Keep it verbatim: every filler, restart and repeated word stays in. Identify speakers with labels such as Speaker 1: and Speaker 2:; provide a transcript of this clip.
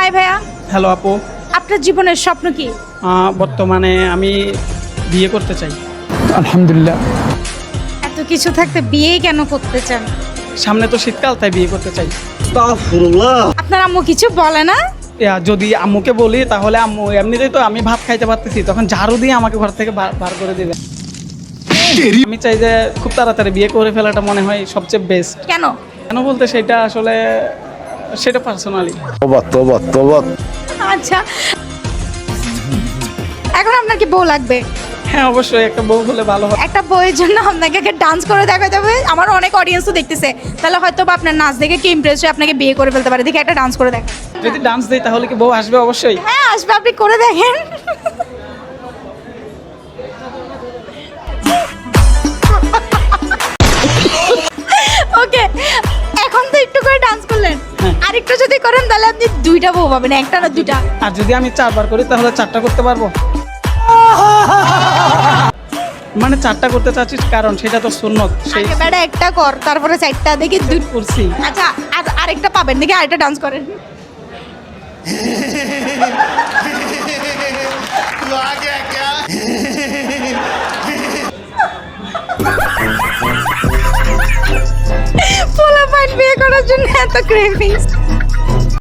Speaker 1: High ভাইয়া।
Speaker 2: Hello আপু।
Speaker 1: আপনার জীবনের স্বপ্ন কি?
Speaker 2: আহ, বর্তমানে আমি বিয়ে করতে চাই।
Speaker 3: আলহামদুলিল্লাহ।
Speaker 1: এত কিছু থাকতে বিয়ে কেন করতে চান?
Speaker 2: সামনে তো শীতকাল, তাই বিয়ে করতে চাই।
Speaker 1: আপনার আম্মু কিছু বলে না?
Speaker 2: ইয়া, যদি আম্মুকে বলি তাহলে আম্মু এমনিতেই তো আমি ভাত খাইতে পারতেছি, তখন ঝাড়ু দিয়ে আমাকে ঘর থেকে বার বার করে দেবে। আমি চাই যে খুব তাড়াতাড়ি বিয়ে করে ফেলাটা মনে হয় সবচেয়ে বেস্ট।
Speaker 1: কেন?
Speaker 2: কেন বলতে সেটা আসলে সেটা পার্সোনালি।
Speaker 4: তোবা তোবা তোবা।
Speaker 1: আচ্ছা, এখন আপনার কি বউ লাগবে?
Speaker 2: হ্যাঁ অবশ্যই, একটা বউ হলে ভালো হয়।
Speaker 1: একটা বউয়ের জন্য আপনাকে একটা ডান্স করে দেখা যাবে। আমার অনেক অডিয়েন্স তো দেখতেছে, তাহলে হয়তো বা আপনার নাচ দেখে কি ইমপ্রেস হয়ে আপনাকে বিয়ে করে ফেলতে পারে। দেখে একটা ডান্স করে দেখা।
Speaker 2: যদি ডান্স দেই তাহলে কি বউ আসবে? অবশ্যই।
Speaker 1: হ্যাঁ আসবে, আপনি করে দেখেন। ওকে, এখন তো একটু করে ডান্স করলেন,
Speaker 2: হ্যাঁ।
Speaker 1: আর একটু যদি করেন তাহলে আপনি দুইটা বউ পাবেন, একটা না দুইটা।
Speaker 2: আর যদি আমি চারবার করি তাহলে চারটা করতে পারবো। মানে চারটা করতে চাচ্ছি কারণ সেটা তো সুন্নত, সেই
Speaker 1: আগে বেড়া একটা কর, তারপরে চারটা দেখি দুই।
Speaker 2: করছি।
Speaker 1: আচ্ছা, আর আরেকটা পাবেন, দেখি আরেকটা ডান্স করেন। পোলা পাইন বিয়ে করার জন্য এত ক্রেভিংস।